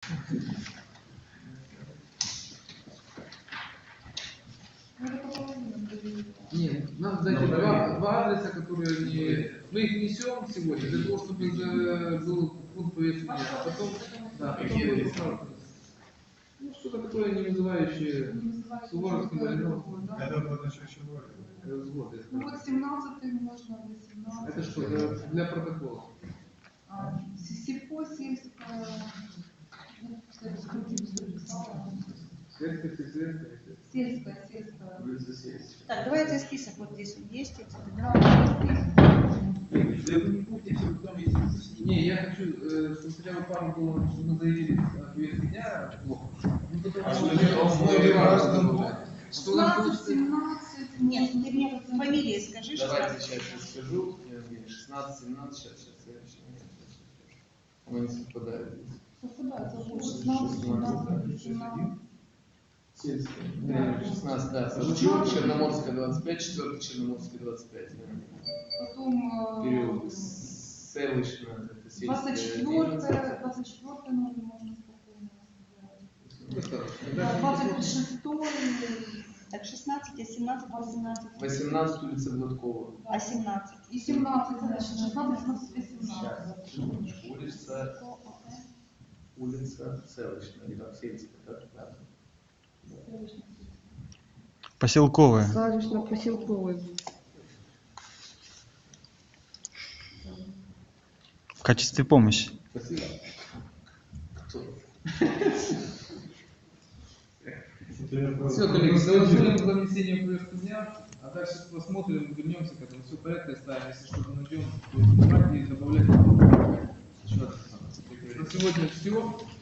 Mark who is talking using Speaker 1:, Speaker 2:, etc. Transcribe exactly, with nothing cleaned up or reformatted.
Speaker 1: Нет, нам дайте два, два адреса, которые они... Мы их несем сегодня для того, чтобы за... был пункт повестки дня. А потом, да, потом будет поправка. Ну, что-то такое не вызывающее Суворовский Малиновский.
Speaker 2: Это было еще чего?
Speaker 3: Ну вот семнадцатый можно, восемнадцатый.
Speaker 1: Это что, для, для протокола?
Speaker 3: А, сельхоз, сельская, ну, кстати,
Speaker 1: Сельская, сельская.
Speaker 3: сельская, сельская.
Speaker 4: Так, давайте список вот здесь вот есть.
Speaker 1: Не, я хочу, э, чтобы хотя бы пару было, чтобы мы заявили на повестке дня. Ну,
Speaker 2: А что не важно?
Speaker 1: Что нам
Speaker 3: шестнадцать, семнадцать.
Speaker 4: Нет, ты мне фамилии скажи.
Speaker 5: Давайте сейчас я скажу. шестнадцать, семнадцать, сейчас, сейчас, следующий. Она не совпадает.
Speaker 3: Совпадает, шестнадцать, семнадцать, семнадцать.
Speaker 5: Сельская. шестнадцать, да. Черноморская двадцать пять, четвертый Черноморская двадцать пять.
Speaker 3: Потом
Speaker 5: Переулок Селищна, это сельская.
Speaker 3: двадцать четвёртое, двадцать четвёртое номер можно спокойно. двадцать шестое.
Speaker 4: Так, шестнадцать, а семнадцать, восемнадцать.
Speaker 5: восемнадцать улица Гладкова.
Speaker 4: А семнадцать?
Speaker 3: И семнадцать, значит, шестнадцать, семнадцать, восемнадцать.
Speaker 5: Сейчас. Улица, улица Селищна, или там сельская, так, да.
Speaker 6: Поселковая.
Speaker 7: Селищно-поселковый.
Speaker 6: В качестве помощи.
Speaker 5: Спасибо. Кто?
Speaker 1: Все, коллеги, голосуем за внесение в повестку дня, а дальше посмотрим, вернемся к этому. Все в порядке оставим, если что-то найдем, то снимать и добавлять. На сегодня все.